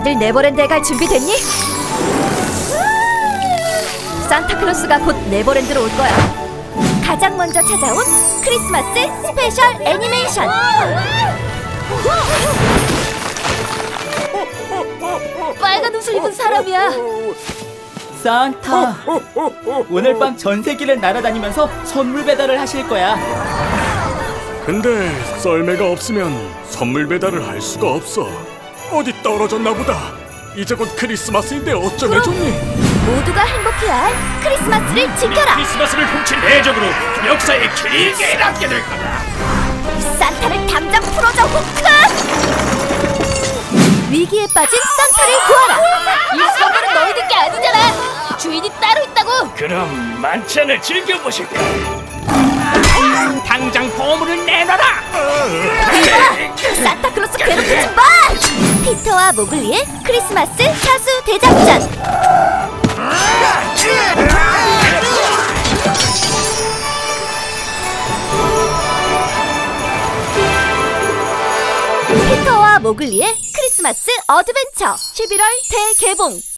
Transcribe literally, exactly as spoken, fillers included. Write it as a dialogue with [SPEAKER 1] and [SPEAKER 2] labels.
[SPEAKER 1] 다들 네버랜드에 갈 준비 됐니? 산타클로스가 곧 네버랜드로 올 거야. 가장 먼저 찾아온 크리스마스 스페셜 애니메이션. 빨간 옷을 입은 사람이야.
[SPEAKER 2] 산타, 오늘 밤 전 세계를 날아다니면서 선물 배달을 하실 거야.
[SPEAKER 3] 근데 썰매가 없으면 선물 배달을 할 수가 없어. 어디 떨어졌나 보다. 이제 곧 크리스마스인데 어쩌면 좋니?
[SPEAKER 1] 모두가 행복해야 할 크리스마스를 지켜라.
[SPEAKER 4] 크리스마스를 훔친 해적으로 역사에 길게 남게 될 거다.
[SPEAKER 1] 산타를 당장 풀어줘, 후크! 위기에 빠진 산타를 구하라. 이 선물은 너희들 게 아니잖아. 주인이 따로 있다고.
[SPEAKER 4] 그럼 만찬을 즐겨보실까? 당장 보물을 내놔라.
[SPEAKER 1] 산타클로스 괴롭히지 마! 피터와 모글리의 크리스마스 사수 대작전. 피터와 모글리의 크리스마스 어드벤처 십일월 대개봉.